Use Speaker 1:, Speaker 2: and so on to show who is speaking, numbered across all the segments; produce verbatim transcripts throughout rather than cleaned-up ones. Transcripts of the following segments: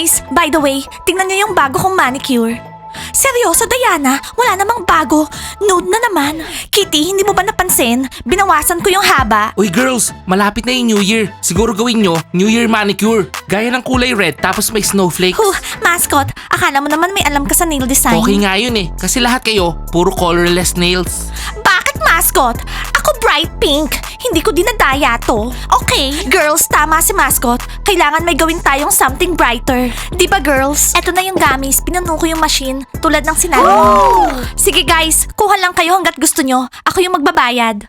Speaker 1: Guys, by the way, tingnan niyo yung bago kong manicure. Seryoso, Diana? Wala namang bago. Nude na naman. Kitty, hindi mo ba napansin? Binawasan ko yung haba.
Speaker 2: Uy girls, malapit na yung New Year. Siguro gawin nyo, New Year manicure. Gaya ng kulay red tapos may snowflakes.
Speaker 1: Huh, mascot, akala mo naman may alam ka sa nail design.
Speaker 2: Okay nga yun eh, kasi lahat kayo, puro colorless nails.
Speaker 1: Bakit, mascot? Ako bright pink. Hindi ko dinadaya to. Okay, girls, tama si mascot. Kailangan may gawin tayong something brighter. Di ba, girls? Eto na yung gamis. Pinuno ko yung machine. Tulad ng sinabi mo. Sige guys, kuha lang kayo hanggat gusto nyo. Ako yung magbabayad.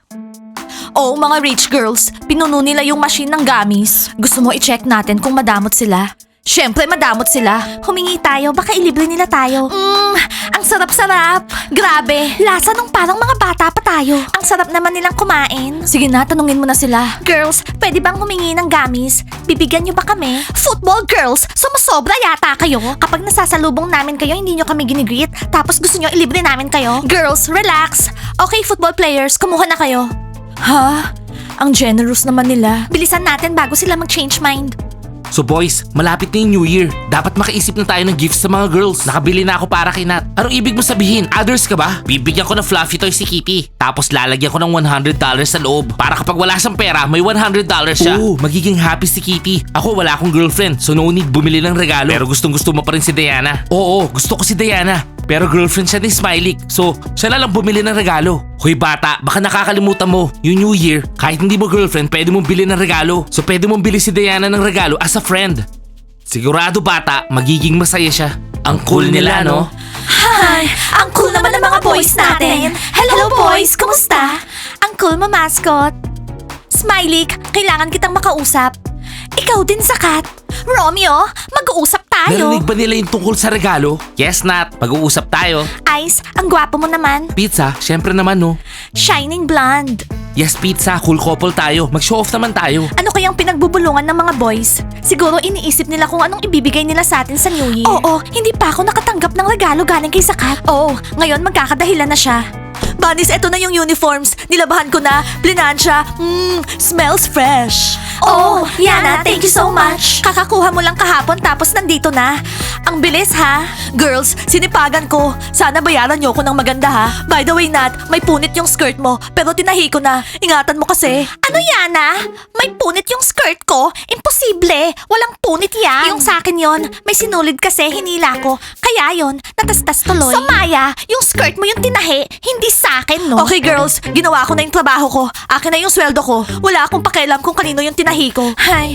Speaker 1: Oo, mga rich girls. Pinuno nila yung machine ng gamis. Gusto mo i-check natin kung madamot sila? Siyempre, madamot sila. Humingi tayo, baka ilibre nila tayo. Mmm, ang sarap-sarap. Grabe, lasa nung parang mga bata pa tayo. Ang sarap naman nilang kumain. Sige na, tanungin mo na sila. Girls, pwede bang humingi ng gamis? Bibigyan niyo ba kami? Football girls, sumasobra yata kayo. Kapag nasasalubong namin kayo, hindi niyo kami ginigreet. Tapos gusto niyo ilibre namin kayo. Girls, relax. Okay, football players, kumuha na kayo. Ha? Ang generous naman nila. Bilisan natin bago sila mag-change mind.
Speaker 2: So boys, malapit na yung New Year. Dapat makaisip na tayo ng gifts sa mga girls. Nakabili na ako para kay Nat. Anong ibig mo sabihin? Others ka ba? Bibigyan ko ng fluffy toy si Kitty. Tapos lalagyan ko ng one hundred dollars sa loob. Para kapag wala siyang pera, may one hundred dollars siya. Oo, magiging happy si Kitty. Ako wala akong girlfriend, so no need bumili ng regalo. Pero gustong gusto mo pa rin si Diana. Oo, gusto ko si Diana. Pero girlfriend siya ni Smiley. So, siya na lang bumili ng regalo. Hoy bata, baka nakakalimutan mo. Yung New Year, kahit hindi mo girlfriend, pwede mong bili ng regalo. So, pwede mong bili si Diana ng regalo as a friend. Sigurado bata, magiging masaya siya. Ang cool nila, no?
Speaker 1: Hi! Ang cool naman ng mga boys natin. Hello boys, kumusta? Ang cool mo, mascot. Smiley, kailangan kitang makausap. Ikaw din, Zakat. Romeo, mag-uusap tayo.
Speaker 2: Narinig ba nila yung tungkol sa regalo? Yes, Nat. Mag-uusap tayo.
Speaker 1: Ice, ang gwapo mo naman.
Speaker 2: Pizza, syempre naman, no?
Speaker 1: Shining blonde.
Speaker 2: Yes, pizza. Cool couple tayo. Mag-show off naman tayo.
Speaker 1: Ano kayang pinagbubulungan ng mga boys? Siguro iniisip nila kung anong ibibigay nila sa atin sa New Year. Oo, hindi pa ako nakatanggap ng regalo galing kay Zakat. Oo, ngayon magkakadahilan na siya. Bunnies, eto na yung uniforms. Nilabahan ko na. Plinansya. Mmm, smells fresh. Oh, Yana, thank you so much. Kakakuha mo lang kahapon tapos nandito na. Ang bilis ha. Girls, sinipagan ko. Sana bayaran niyo ko ng maganda ha. By the way, Nat, may punit yung skirt mo. Pero tinahi ko na. Ingatan mo kasi. Ano, Yana? May punit yung skirt ko? Imposible. Walang punit yan. Yung sa akin yon, may sinulid kasi hinila ko. Kaya yon, natastas tuloy. So Maya, yung skirt mo yung tinahi, hindi sa akin, no? Okay girls, ginawa ko na yung trabaho ko. Akin na yung sweldo ko. Wala akong pakialam kung kanino yung tinahi ko. Hay.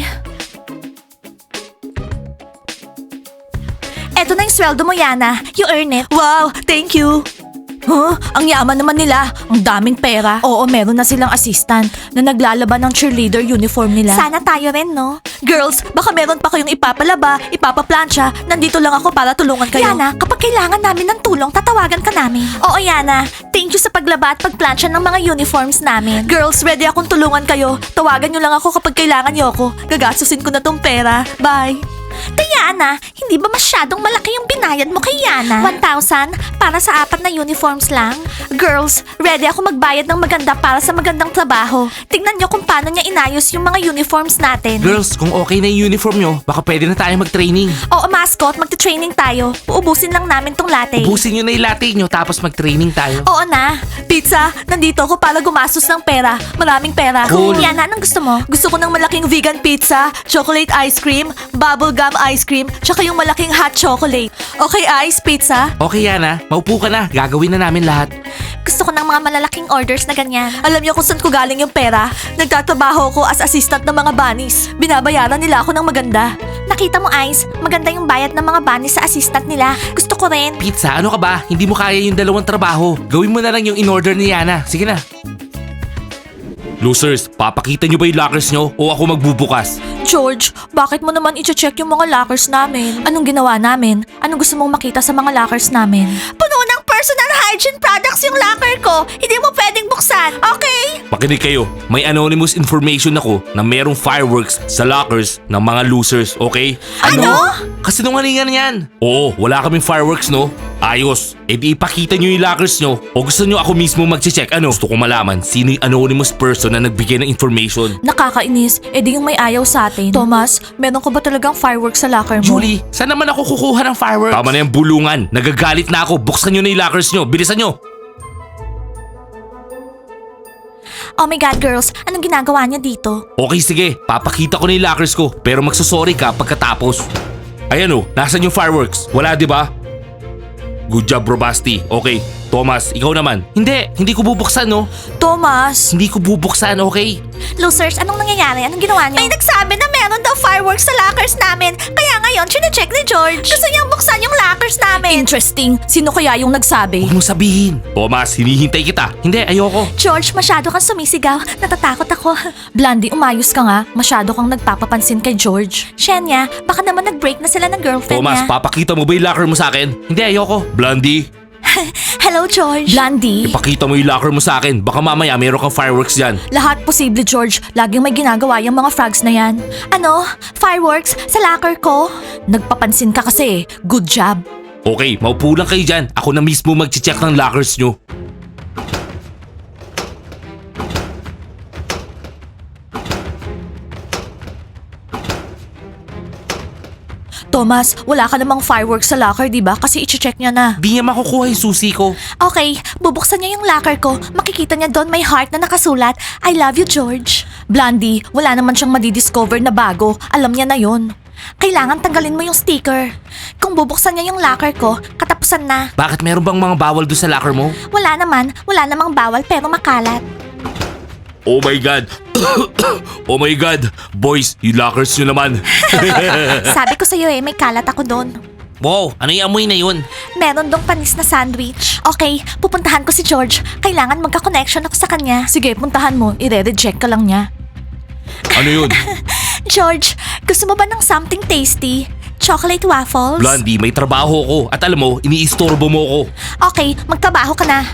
Speaker 1: Eto na yung sweldo mo, Yana. You earn it. Wow, thank you. Huh? Ang yaman naman nila. Ang daming pera. Oo, meron na silang assistant na naglalaban ng cheerleader uniform nila. Sana tayo rin, no? Girls, baka meron pa kayong ipapalaba, ipapaplansya. Nandito lang ako para tulungan kayo. Yana, kapag kailangan namin ng tulong, tatawagan ka namin. Oo, Yana. Thank you sa paglaba at pagplansya ng mga uniforms namin. Girls, ready akong tulungan kayo. Tawagan nyo lang ako kapag kailangan nyo ako. Gagastusin ko na tong pera. Bye. Diana, hindi ba masyadong malaki yung binayad mo kay Yana? one thousand para sa apat na uniforms lang? Girls, ready ako magbayad ng maganda para sa magandang trabaho. Tingnan nyo kung paano niya inayos yung mga uniforms natin.
Speaker 2: Girls, kung okay na yung uniform nyo, baka pwede na tayo mag-training.
Speaker 1: Oo, mascot, magta-training tayo. Uubusin lang namin tong latte.
Speaker 2: Ubusin nyo na yung latte nyo tapos mag-training tayo.
Speaker 1: Oo na. Pizza, nandito ako para gumastos ng pera. Maraming pera.
Speaker 2: Cool.
Speaker 1: Yana, anong gusto mo? Gusto ko ng malaking vegan pizza, chocolate ice cream, bubble gum ice cream, tsaka yung malaking hot chocolate. Okay, Ice, pizza?
Speaker 2: Okay, Yana. Maupo ka na. Gagawin na namin lahat.
Speaker 1: Gusto ko ng mga malalaking orders na ganyan. Alam niyo kung saan ko galing yung pera? Nagtatrabaho ko as assistant ng mga bunnies. Binabayaran nila ako ng maganda. Nakita mo, Ice? Maganda yung bayad ng mga bunnies sa assistant nila. Gusto ko rin.
Speaker 2: Pizza, ano ka ba? Hindi mo kaya yung dalawang trabaho. Gawin mo na lang yung in-order ni Yana. Sige na. Losers, papakita nyo ba yung lockers nyo o ako magbubukas?
Speaker 1: George, bakit mo naman i-check yung mga lockers namin? Anong ginawa namin? Anong gusto mong makita sa mga lockers namin? Puno ng personal hygiene products yung locker ko. Hindi mo pwedeng buksan, okay?
Speaker 2: Makinig kayo. May anonymous information ako na merong fireworks sa lockers ng mga losers, okay?
Speaker 1: Ano?
Speaker 2: Kasi nungalingan yan. Oo, wala kaming fireworks, no? Ayos. E di ipakita nyo yung lockers nyo. O gusto nyo ako mismo mag-check? Ano? Gusto ko malaman sino yung anonymous person na nagbigay ng information.
Speaker 1: Nakakainis, edi yung may ayaw sa atin. Thomas, meron ko ba talagang fireworks sa locker mo?
Speaker 2: Julie, saan naman ako kukuha ng fireworks? Tama na yung bulungan. Nagagalit na ako. Buksan nyo na yung lockers nyo. Bilisan nyo.
Speaker 1: Oh my God, girls, anong ginagawa niya dito?
Speaker 2: Okay, sige. Papakita ko na yung lockers ko. Pero magsusorry ka pagkatapos. Ayan o, nasan yung fireworks? Wala, di ba? Good job, Bro Basti. Okay, Thomas, ikaw naman. Hindi, hindi ko bubuksan, no?
Speaker 1: Thomas!
Speaker 2: Hindi ko bubuksan, okay?
Speaker 1: Losers, anong nangyayari? Anong ginawa niyo? May nagsabi na meron daw fireworks sa lockers namin. Kaya ngayon, chinecheck ni George. Gusto niyang buksan yung lockers namin. Interesting. Sino kaya yung nagsabi?
Speaker 2: Huwag mo sabihin. Thomas, hinihintay kita. Hindi, ayoko.
Speaker 1: George, masyado kang sumisigaw. Natatakot ako. Blondie, umayos ka nga. Masyado kang nagpapapansin kay George. Shenya, baka naman nag-break na sila ng girlfriend
Speaker 2: Thomas,
Speaker 1: niya.
Speaker 2: papakita mo ba yung locker mo sa akin? Hindi, ayoko. Blondie,
Speaker 1: Hello, George. Blondie.
Speaker 2: ipakita mo yung locker mo sa akin. Baka mamaya meron kang fireworks dyan.
Speaker 1: Lahat posible, George. Laging may ginagawa yung mga frogs na yan. Ano? Fireworks? Sa locker ko? Nagpapansin ka kasi. Good job.
Speaker 2: Okay, maupo lang kayo dyan. Ako na mismo mag-check ng lockers nyo.
Speaker 1: Thomas, wala ka namang fireworks sa locker, di ba? Kasi i-check niya na.
Speaker 2: Di niya makukuha yung susi ko.
Speaker 1: Okay, bubuksan niya yung locker ko. Makikita niya doon may heart na nakasulat, I love you, George. Blondie, wala naman siyang madidiscover na bago. Alam niya na yon. Kailangan tanggalin mo yung sticker. Kung bubuksan niya yung locker ko, katapusan na.
Speaker 2: Bakit meron bang mga bawal doon sa locker mo?
Speaker 1: Wala naman, wala namang bawal pero makalat.
Speaker 2: Oh my God! Oh my God! Boys, yung lockers nyo naman.
Speaker 1: Sabi ko sa'yo eh, may kalat ako doon.
Speaker 2: Wow, ano yung amoy na yun?
Speaker 1: Meron dong panis na sandwich. Okay, pupuntahan ko si George. Kailangan magka-connection ako sa kanya. Sige, puntahan mo. I-reject ka lang niya.
Speaker 2: Ano yun?
Speaker 1: George, gusto mo ba ng something tasty? Chocolate waffles?
Speaker 2: Blondie, may trabaho ko. At alam mo, iniistorbo mo ko.
Speaker 1: Okay, magtrabaho ka na.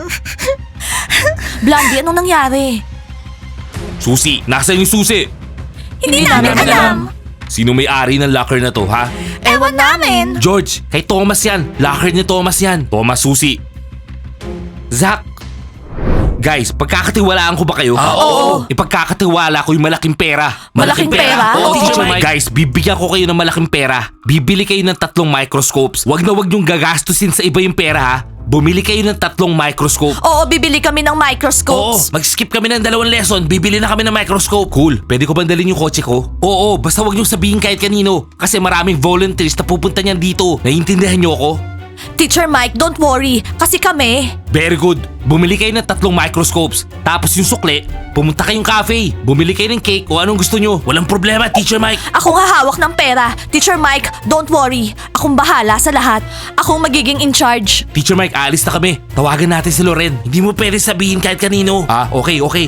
Speaker 1: Blondie, anong nangyari?
Speaker 2: Susi, nasaan yung susi?
Speaker 1: Hindi, namin alam.
Speaker 2: Sino may-ari ng locker na to, ha?
Speaker 1: Ewan namin.
Speaker 2: George, kay Thomas yan. Locker ni Thomas yan. Thomas, susi. Zach. Guys, pagkakatiwalaan ko ba kayo?
Speaker 1: Ah, oo.
Speaker 2: Ipagkakatiwala ko yung malaking pera.
Speaker 1: Malaking pera?
Speaker 2: Oo,
Speaker 1: Oo.
Speaker 2: Teacher Mike. Guys, bibigyan ko kayo ng malaking pera. Bibili kayo ng tatlong microscopes. Wag na wag niyong gagastusin sa iba yung pera, ha? Bumili kayo ng tatlong microscope.
Speaker 1: Oo, bibili kami ng
Speaker 2: Oo,
Speaker 1: microscopes.
Speaker 2: mag-skip kami ng dalawang lesson. Bibili na kami ng microscope. Cool. Pwede ko bang dalhin yung kotse ko? Oo, basta wag niyong sabihin kahit kanino. Kasi maraming volunteers na pupunta niyan dito. Naiintindihan niyo ako?
Speaker 1: Teacher Mike, don't worry. Kasi kami...
Speaker 2: Very good. Bumili kayo ng tatlong microscopes. Tapos yung sukle, pumunta kayong cafe. Bumili kayo ng cake o anong gusto nyo. Walang problema, Teacher Mike.
Speaker 1: Ako nga hawak ng pera. Teacher Mike, don't worry. Akong bahala sa lahat. Akong magiging in charge.
Speaker 2: Teacher Mike, alis na kami. Tawagan natin si Loren. Hindi mo pwede sabihin kahit kanino. Ah, okay, okay.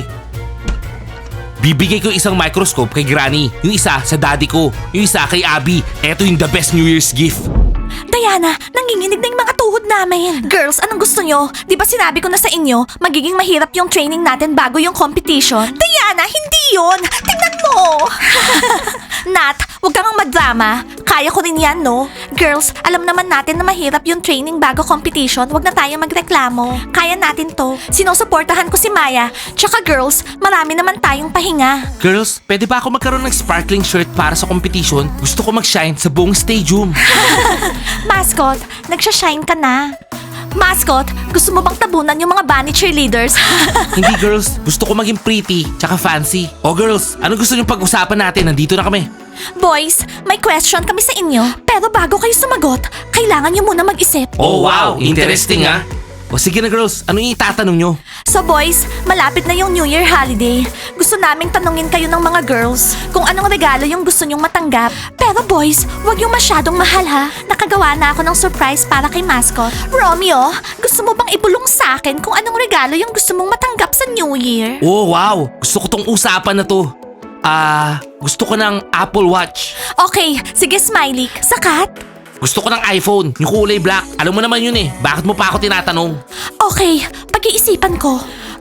Speaker 2: Bibigay ko isang microscope kay Granny. Yung isa sa daddy ko. Yung isa kay Abby. Eto yung the best New Year's gift.
Speaker 1: Diana, nanginginig na yung mga tuhod namin. Girls, anong gusto nyo? Di ba sinabi ko na sa inyo, magiging mahirap yung training natin bago yung competition? Diana, hindi yun! Tingnan mo! Nat, huwag kang madrama. Kaya ko rin yan, no? Girls, alam naman natin na mahirap yung training bago competition. Huwag na tayo magreklamo. Kaya natin to. Sinusuportahan ko si Maya. Tsaka girls, marami naman tayong pahinga.
Speaker 2: Girls, pwede ba ako magkaroon ng sparkling shirt para sa competition? Gusto ko mag-shine sa buong stadium.
Speaker 1: Mascot, nagsha-shine ka na. Mascot, gusto mo bang tabunan yung mga bunny cheerleaders?
Speaker 2: Hindi girls, gusto ko maging pretty, tsaka fancy. O girls, ano gusto niyong pag-usapan natin? Nandito na kami.
Speaker 1: Boys, may question kami sa inyo. Pero bago kayo sumagot, kailangan nyo muna mag-isip.
Speaker 2: Oh wow, interesting ah. O sige na girls, ano yung itatanong nyo?
Speaker 1: So boys, malapit na yung New Year holiday. Gusto naming tanungin kayo ng mga girls kung anong regalo yung gusto nyong matanggap. Pero boys, wag yung masyadong mahal ha. Nakagawa na ako ng surprise para kay Mascot. Romeo, gusto mo bang ibulong sa akin kung anong regalo yung gusto mong matanggap sa New Year?
Speaker 2: Oh wow, gusto ko tong usapan na to. Ah, gusto ko ng Apple Watch.
Speaker 1: Okay, sige Smiley, sakat?
Speaker 2: Gusto ko ng iPhone, yung kulay black. Alam mo naman yun eh, bakit mo pa ako tinatanong?
Speaker 1: Okay, pag-iisipan ko.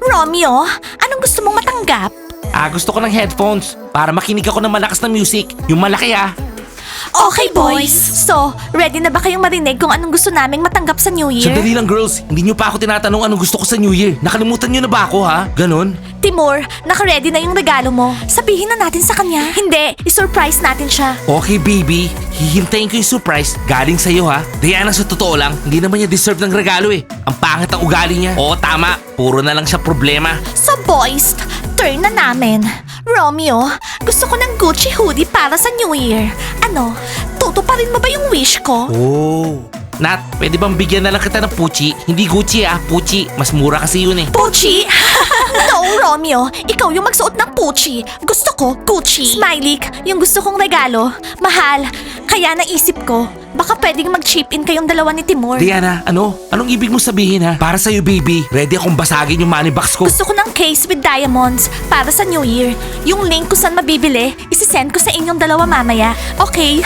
Speaker 1: Romeo, anong gusto mong matanggap?
Speaker 2: Ah, gusto ko ng headphones para makinig ako ng malakas na music. Yung malaki ah.
Speaker 1: Okay, boys. So, ready na ba kayong marinig kung anong gusto naming matanggap sa New Year?
Speaker 2: Sandali lang girls, hindi nyo pa ako tinatanong anong gusto ko sa New Year. Nakalimutan nyo na ba ako ha? Ganon?
Speaker 1: Timur, naka-ready na yung regalo mo. Sabihin na natin sa kanya. Hindi, isurprise natin siya.
Speaker 2: Okay baby, hihintayin ko yung surprise galing sa'yo ha. Diana, sa totoo lang, hindi naman niya deserve ng regalo eh. Ang pangit ang ugali niya. Oo tama, puro na lang siya problema.
Speaker 1: So boys, turn na namin. Romeo, gusto ko ng Gucci hoodie para sa New Year. Ano, tutuparin mo ba yung wish ko?
Speaker 2: Oh. Nat, pwede bang bigyan na lang kita ng Pucci? Hindi Gucci ah, Pucci. Mas mura kasi yun eh.
Speaker 1: Pucci? No, Romeo. Ikaw yung magsuot ng Pucci. Gusto ko, Gucci. Smiley, yung gusto kong regalo. Mahal. Kaya naisip ko, baka pwedeng mag-chip in kayong dalawa ni Timur.
Speaker 2: Diana, ano? Anong ibig mo sabihin ha? Para sa'yo baby, ready akong basagin yung money box ko.
Speaker 1: Gusto ko ng case with diamonds para sa New Year. Yung link kung saan mabibili, isisend ko sa inyong dalawa mamaya. Okay?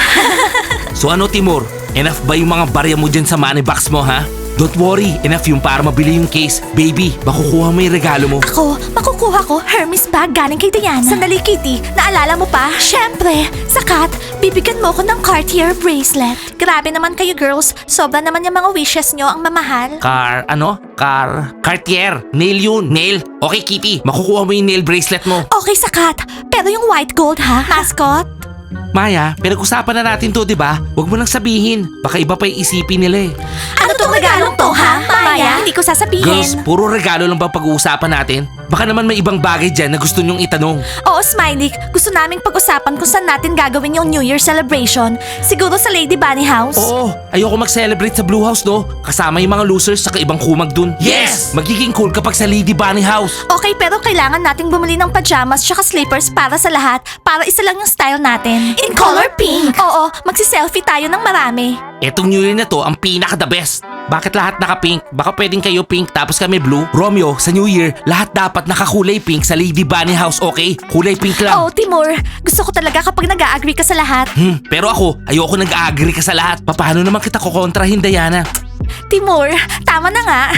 Speaker 2: So ano Timur? Enough ba yung mga barya mo dyan sa money box mo ha? Don't worry, enough yung para mabili yung case. Baby, makukuha mo yung regalo mo.
Speaker 1: Ako, makukuha ko Hermes bag galing kay Diana. Sandali, Kitty. Naalala mo pa? Syempre. Sakat, bibigyan mo ko ng Cartier bracelet. Grabe naman kayo, girls. Sobra naman yung mga wishes nyo ang mamahal.
Speaker 2: Car, ano? Car, Cartier. Nail yun, nail. Okay Kitty, makukuha mo yung nail bracelet mo.
Speaker 1: Okay, Sakat. Pero yung white gold, ha? Mascot?
Speaker 2: Maya, pinag-usapan na natin to, di ba? Huwag mo nang sabihin. Baka iba pa yung isipin nila eh.
Speaker 1: Ano tong regalong to, ha? Maya, hindi ko sasabihin.
Speaker 2: Girls, puro regalo lang ba pag-uusapan natin? Baka naman may ibang bagay dyan na gusto nyong itanong.
Speaker 1: Oo, Smiley. Gusto naming pag-usapan kung saan natin gagawin yung New Year celebration. Siguro sa Lady Bunny House.
Speaker 2: Oo, ayoko mag-celebrate sa Blue House, no? Kasama yung mga losers sa ibang kumag dun. Yes! Magiging cool kapag sa Lady Bunny House.
Speaker 1: Okay, pero kailangan nating bumili ng pajamas tsaka slippers para sa lahat para isa lang yung style natin. In color pink! Oo, magsi-selfie tayo ng marami.
Speaker 2: Etong New Year na to, ang pinaka-the best. Bakit lahat naka-pink? Baka pwedeng kayo pink tapos kami blue? Romeo, sa New Year, lahat dapat nakakulay pink sa Lady Bunny House, okay? Kulay pink lang.
Speaker 1: Oo, Timur. Gusto ko talaga kapag nag-agree ka sa lahat.
Speaker 2: Hmm, pero ako, ayoko nag-agree ka sa lahat. Paano naman kita kukontrahin, Diana?
Speaker 1: Timur, tama na nga.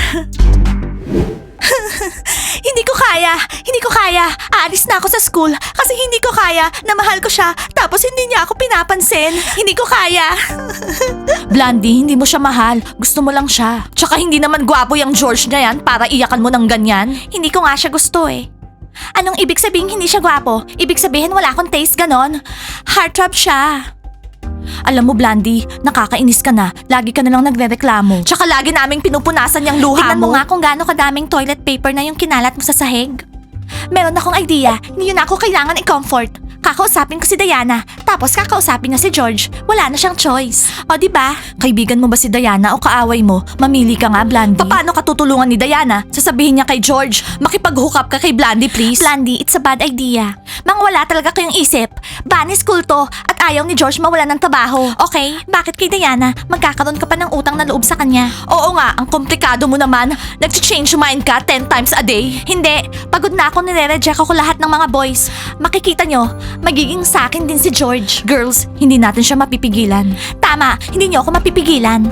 Speaker 1: Hindi ko kaya. Hindi ko kaya. Aalis na ako sa school kasi hindi ko kaya na mahal ko siya tapos hindi niya ako pinapansin. Hindi ko kaya. Blondie, hindi mo siya mahal. Gusto mo lang siya. Tsaka hindi naman gwapo yung George na yan para iyakan mo ng ganyan. Hindi ko nga siya gusto eh. Anong ibig sabihin hindi siya gwapo? Ibig sabihin wala akong taste ganon? Heartthrob siya. Alam mo, Blandy, nakakainis ka na. Lagi ka na lang nagrereklamo. Tsaka lagi naming pinupunasan yung luha
Speaker 3: Tingnan
Speaker 1: mo.
Speaker 3: mo
Speaker 1: nga kung gaano kadaming toilet paper na yung kinalat mo sa sahig. Meron akong idea. Hindi yun ako kailangan i-comfort. Kakausapin ko si Diana, tapos kakausapin niya si George. Wala na siyang choice. O di ba? Kaibigan mo ba si Diana o kaaway mo? Mamili ka nga, Blandy. Paano ka tutulungan ni Diana? Sasabihin niya kay George, makipag-hook up ka kay Blandy, please. Blandy, it's a bad idea. Mang wala talaga kayong isip. Bunny school to at ayaw ni George mawala ng trabaho. Okay? Bakit kay Diana? Magkakaroon ka pa ng utang na loob sa kanya. Oo nga, ang komplikado mo naman. Nag-change mind ka ten times a day. Hindi. Pagod na ako, nire-reject ako lahat ng mga boys. Makikita nyo, magiging sa akin din si George. Girls, hindi natin siya mapipigilan. Tama, hindi nyo ako mapipigilan.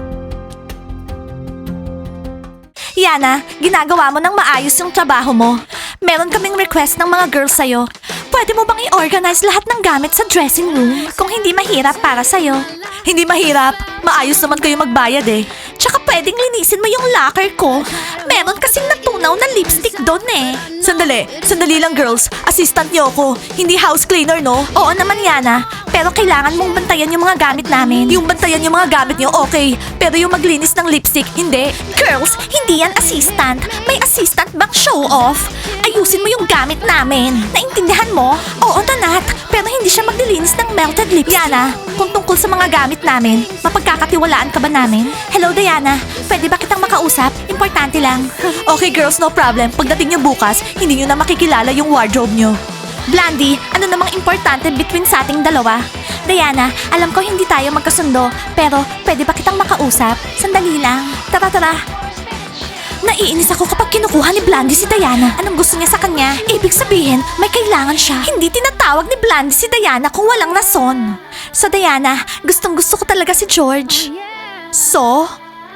Speaker 1: Yana, ginagawa mo ng maayos yung trabaho mo. Meron kaming request ng mga girls sa'yo. Pwede mo bang i-organize lahat ng gamit sa dressing room? Kung hindi mahirap para sa'yo. Hindi mahirap. Maayos naman kayo magbayad eh. Tsaka pwedeng linisin mo yung locker ko. Meron kasing natunaw na lipstick doon eh. Sandali, sandali lang girls. Assistant niyo ako. Hindi house cleaner, no? Oo naman, Yana. Pero kailangan mong bantayan yung mga gamit namin. Yung bantayan yung mga gamit niyo, okay. Pero yung maglinis ng lipstick, hindi. Girls, hindi yan assistant. May assistant bang show off? Ayusin mo yung gamit namin. Naintindihan mo? Oo, Tanat. Pero hindi siya maglilinis ng melted lips. Yana, kung tungkol sa mga gamit namin, mapagkakatiwalaan ka ba namin? Hello, Diana. Pwede ba kitang makausap? Importante lang. Okay, girls, no problem. Pagdating niyo bukas, hindi niyo na makikilala yung wardrobe niyo. Blandy, ano namang importante between sa ating dalawa? Diana, alam ko hindi tayo magkasundo, pero pwede ba kitang makausap? Sandali lang. Tara, tara. Naiinis ako kapag kinukuha ni Blandy si Diana. Anong gusto niya sa kanya? Ibig sabihin, may kailangan siya. Hindi tinatawag ni Blandy si Diana kung walang rason. So Diana, gustong gusto ko talaga si George. So?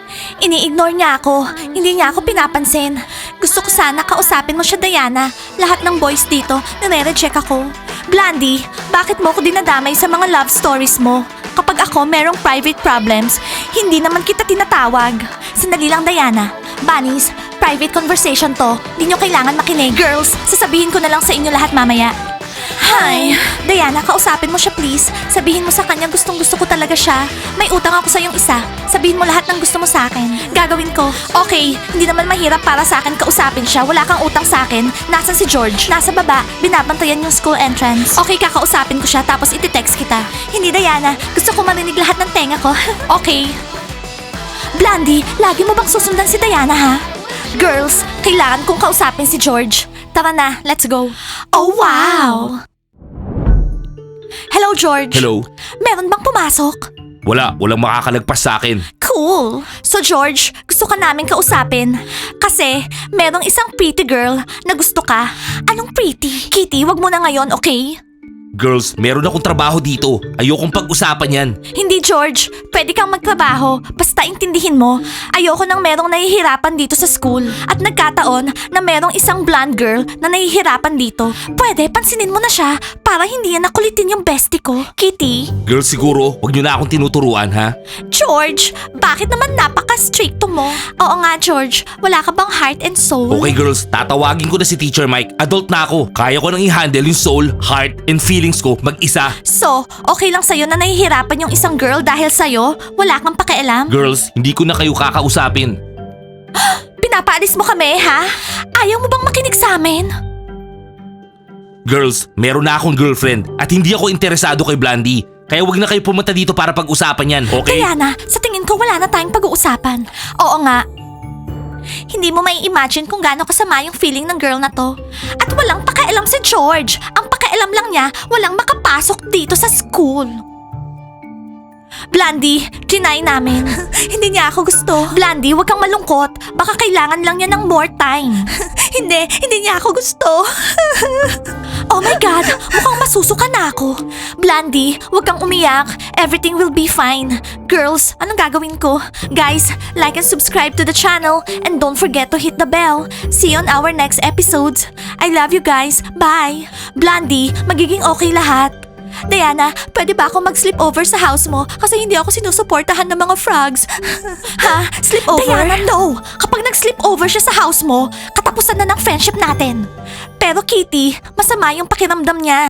Speaker 1: Ini-ignore niya ako. Hindi niya ako pinapansin. Gusto ko sana kausapin mo siya, Diana. Lahat ng boys dito, nire-reject ako. Blandy, bakit mo ko dinadamay sa mga love stories mo? Kapag ako merong private problems, hindi naman kita tinatawag. Sandali lang, Diana. Bunnies, private conversation to. Hindi nyo kailangan makinig. Girls, sasabihin ko na lang sa inyo lahat mamaya. Hi! Diana, kausapin mo siya please. Sabihin mo sa kanya gustong gusto ko talaga siya. May utang ako sa yung isa. Sabihin mo lahat ng gusto mo sa akin. Gagawin ko. Okay, hindi naman mahirap para sa akin kausapin siya. Wala kang utang sa akin. Nasaan si George? Nasa baba. Binabantayan yung school entrance. Okay, kakausapin ko siya tapos iti-text kita. Hindi, Diana. Gusto ko marinig lahat ng tenga ko. Okay. Blandy, lagi mo bang susundan si Diana ha? Girls, kailangan kong kausapin si George. Tara na, let's go. Oh, wow! Hello, George.
Speaker 2: Hello?
Speaker 1: Meron bang pumasok?
Speaker 2: Wala, walang makakalagpas sa akin.
Speaker 1: Cool. So, George, gusto ka namin kausapin. Kasi, merong isang pretty girl na gusto ka. Anong pretty? Kitty, wag mo na ngayon, okay?
Speaker 2: Girls, meron akong trabaho dito. Ayokong pag-usapan yan.
Speaker 1: Hindi, George. Pwede kang magtrabaho. Basta intindihin mo. Ayoko nang merong nahihirapan dito sa school. At nagkataon na merong isang blonde girl na nahihirapan dito. Pwede, pansinin mo na siya para hindi yan nakulitin yung bestie ko. Kitty?
Speaker 2: Girls, siguro, wag nyo na akong tinuturuan, ha?
Speaker 1: George, bakit naman napaka-stricto mo? Oo nga, George. Wala ka bang heart and soul?
Speaker 2: Okay, girls, tatawagin ko na si Teacher Mike. Adult na ako. Kaya ko nang i-handle yung soul, heart, and feelings ko mag-isa.
Speaker 1: So, okay lang sa'yo na nahihirapan yung isang girl dahil sa'yo? Wala kang pakialam?
Speaker 2: Girls, hindi ko na kayo kakausapin.
Speaker 1: Pinapaalis mo kami, ha? Ayaw mo bang makinig sa amin?
Speaker 2: Girls, meron na akong girlfriend at hindi ako interesado kay Blandy. Kaya wag na kayo pumunta dito para pag-usapan yan, okay?
Speaker 1: Diana, sa tingin ko wala na tayong pag-uusapan. Oo nga. Hindi mo may imagine kung gaano kasama yung feeling ng girl na to. At walang pakialam si George. Ang pakialam lang niya, walang makapasok dito sa school. Blandy, trinay namin. Hindi niya ako gusto. Blandy, wag kang malungkot. Baka kailangan lang niya ng more time. hindi, hindi niya ako gusto. Oh my God, mukhang masusuka na ako. Blandy, wag kang umiyak. Everything will be fine. Girls, anong gagawin ko? Guys, like and subscribe to the channel and don't forget to hit the bell. See you on our next episodes. I love you guys. Bye. Blandy, magiging okay lahat. Diana, pwede ba ako mag-sleep over sa house mo? Kasi hindi ako sinusuportahan ng mga frogs. Ha? Sleep over? Diana, no! Kapag nag-sleep over siya sa house mo, katapusan na ng friendship natin. Pero Kitty, masama yung pakiramdam niya.